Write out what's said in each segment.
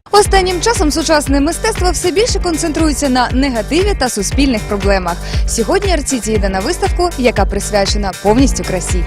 Останнім часом сучасне мистецтво все більше концентрується на негативі та суспільних проблемах. Сьогодні Арціті йде на виставку, яка присвячена повністю красі.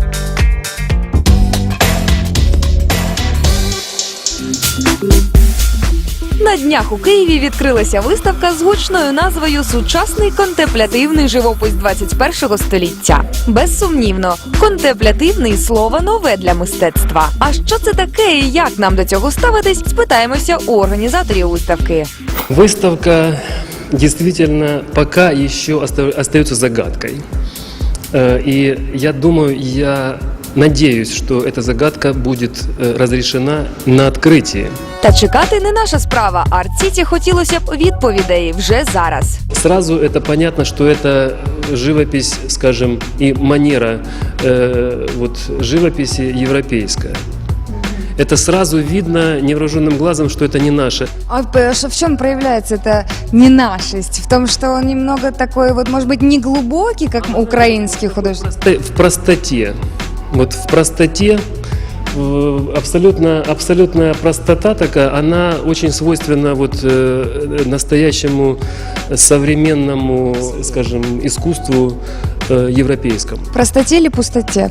На днях у Києві відкрилася виставка з гучною назвою «Сучасний контемплятивний живопис 21-го століття». Безсумнівно, контемплятивний – слово нове для мистецтва. А що це таке і як нам до цього ставитись, спитаємося у організаторів виставки. Выставка действительно пока еще остается загадкой. И я думаю, я надеюсь, что эта загадка будет разрешена на открытии. Та чекати не наша справа, а Арціті хотілося б відповідей вже зараз. Сразу это понятно, что это живопись, скажем, и манера живописи европейская. Это сразу видно невооруженным глазом, что это не наше. А в чем проявляется эта ненашесть? В том, что он немного такой, может быть, не глубокий, как украинский художник? В простоте. Вот в простоте, абсолютная простота такая, она очень свойственна настоящему современному, скажем, искусству европейскому. Простоте или пустоте?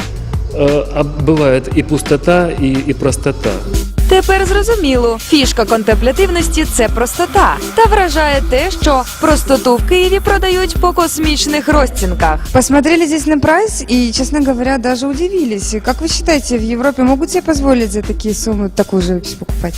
Бывает и пустота, и простота. Тепер зрозуміло, фішка контемплятивності – це простота. Та вражає те, що простоту в Києві продають по космічних розцінках. Посмотрели здесь на прайс и, честно говоря, даже удивились. Как вы считаете, в Европе могут себе позволить за такие суммы такую живопись покупать?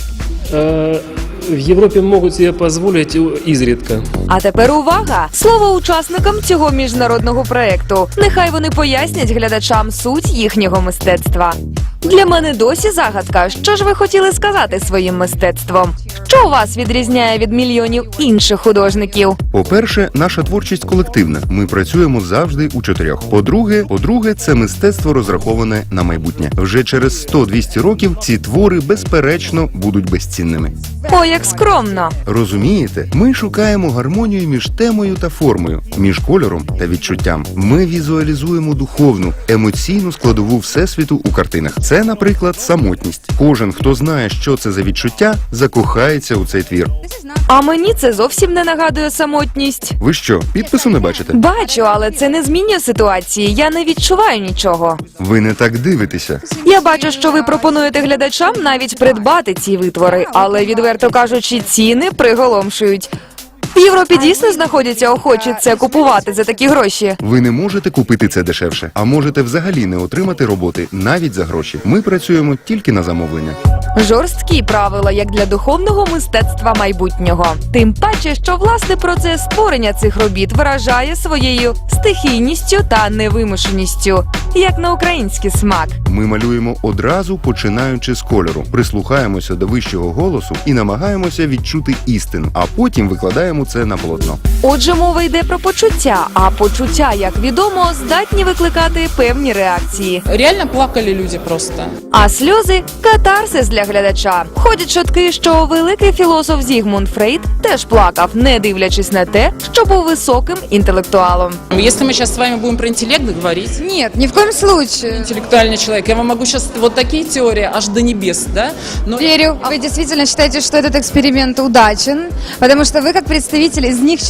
В Європі можуть себе дозволити ізрідка. А тепер увага! Слово учасникам цього міжнародного проекту. Нехай вони пояснять глядачам суть їхнього мистецтва. Для мене досі загадка, що ж ви хотіли сказати своїм мистецтвом? Що вас відрізняє від мільйонів інших художників? По-перше, наша творчість колективна. Ми працюємо завжди у чотирьох. По-друге, це мистецтво розраховане на майбутнє. Вже через 100-200 років ці твори, безперечно, будуть безцінними. О, як скромно! Розумієте? Ми шукаємо гармонію між темою та формою, між кольором та відчуттям. Ми візуалізуємо духовну, емоційну складову всесвіту у картинах. Це, наприклад, самотність. Кожен, хто знає, що це за відчуття, закохається у цей твір. А мені це зовсім не нагадує самотність. Ви що, підпису не бачите? Бачу, але це не змінює ситуації. Я не відчуваю нічого. Ви не так дивитеся. Я бачу, що ви пропонуєте глядачам навіть придбати ці витвори, але, відверто кажучи, ціни приголомшують. В Європі дійсно знаходяться охочі це купувати за такі гроші. Ви не можете купити це дешевше, а можете взагалі не отримати роботи навіть за гроші. Ми працюємо тільки на замовлення. Жорсткі правила, як для духовного мистецтва майбутнього. Тим паче, що власне процес створення цих робіт вражає своєю стихійністю та невимушеністю, як на український смак. Ми малюємо одразу, починаючи з кольору, прислухаємося до вищого голосу і намагаємося відчути істину, а потім викладаємо це на полотно. Отже, мова йде про почуття, а почуття, як відомо, здатні викликати певні реакції. Реально плакали люди просто. А сльози – катарсис для глядача. Ходять чутки, що великий філософ Зігмунд Фрейд теж плакав, не дивлячись на те, що був високим інтелектуалом. Если мы сейчас с вами будем про интеллект говорить, Нет, ни в коем случае. интеллектуальный человек, я вам могу сейчас вот такие теории аж до небес, да? Но Верю. Вы действительно считаете, что этот эксперимент удачен, потому что вы как представитель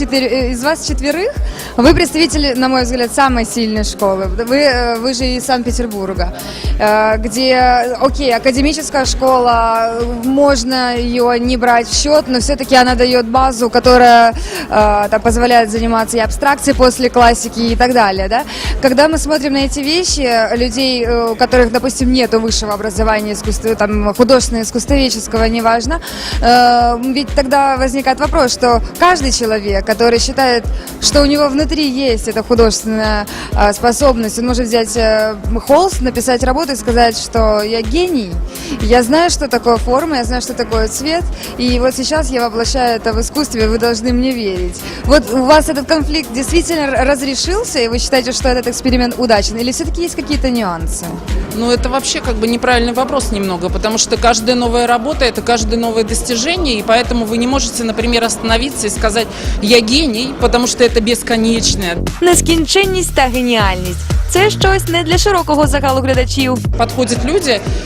из вас четверых, вы представитель, на мой взгляд, самой сильной школы. Вы же из Санкт-Петербурга, где, окей, академическая школа, можно ее не брать в счет, но все-таки она дает базу, которая позволяет заниматься и абстракцией после классики и так далее. Да? Когда мы смотрим на эти вещи, людей, у которых, допустим, нет высшего образования художественного, искусствоведческого, неважно, ведь тогда возникает вопрос, что каждый человек, который считает, что у него внутри есть эта художественная способность, он может взять холст, написать работу и сказать, что я гений, я знаю, что такое форма, я знаю, что такое цвет, и вот сейчас я воплощаю это в искусстве, вы должны мне верить. Вот у вас этот конфликт действительно разрешился, и вы считаете, что этот эксперимент удачен, или все-таки есть какие-то нюансы? ну, это вообще как бы неправильный вопрос немного, потому что каждая новая работа – это каждое новое достижение, и поэтому вы не можете, например, остановиться и сказать «я гений», потому что это бесконечное. Нескінченність та геніальність – це щось не для широкого загалу глядачів. Подходят люди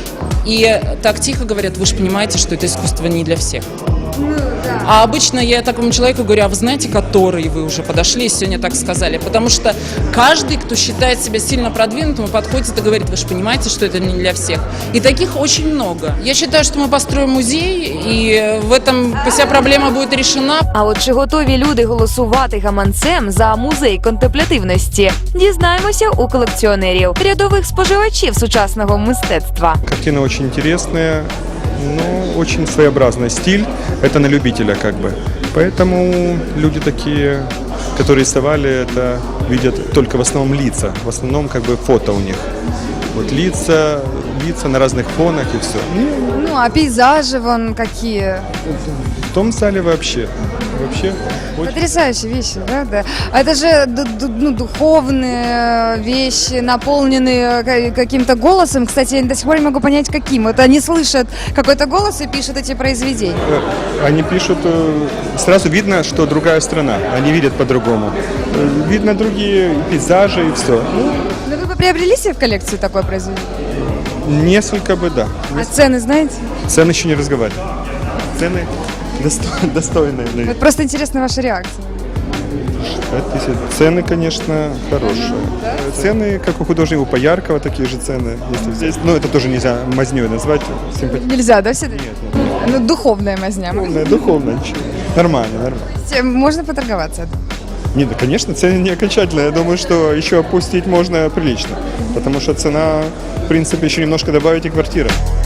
и так тихо говорят: вы же понимаете, что это искусство не для всех. А обычно я такому человеку говорю: а вы знаете, который вы уже подошли и сегодня так сказали? Потому что каждый, кто считает себя сильно продвинутым, подходит и говорит: вы же понимаете, что это не для всех. И таких очень много. Я считаю, что мы построим музей, и в этом вся проблема будет решена. А от чи готові люди голосувати гаманцем за музей контемплятивності? Дізнаємося у колекціонерів, рядових споживачів сучасного мистецтва. Картины очень интересные, но очень своеобразный стиль. Это на любителя как бы. Поэтому люди такие, которые рисовали это, видят только в основном лица. В основном как бы фото у них. Вот лица на разных фонах и все. Ну, а пейзажи вон какие. В том зале вообще очень... Потрясающие вещи, правда? А это же духовные вещи, наполненные каким-то голосом. Кстати, я до сих пор не могу понять, каким. Вот они слышат какой-то голос и пишут эти произведения. Они пишут, сразу видно, что другая страна. Они видят по-другому. Видно другие пейзажи и все. Ну, вы бы приобрели себе в коллекцию такое произведение? Несколько бы, да. А цены знаете? Цены еще не разговаривали. Цены достойные. Вот просто интересна ваша реакция. Цены, конечно, хорошие. Цены, как у художника Пояркова, такие же цены. Если здесь, ну, это тоже нельзя мазнёй назвать. Нельзя, да, все-таки? Ну, духовная мазня. Духовно, ничего. Нормально. Можно поторговаться? Нет, да, конечно, цены не окончательные. Я думаю, что еще опустить можно прилично. Потому что цена, в принципе, еще немножко добавить и квартира.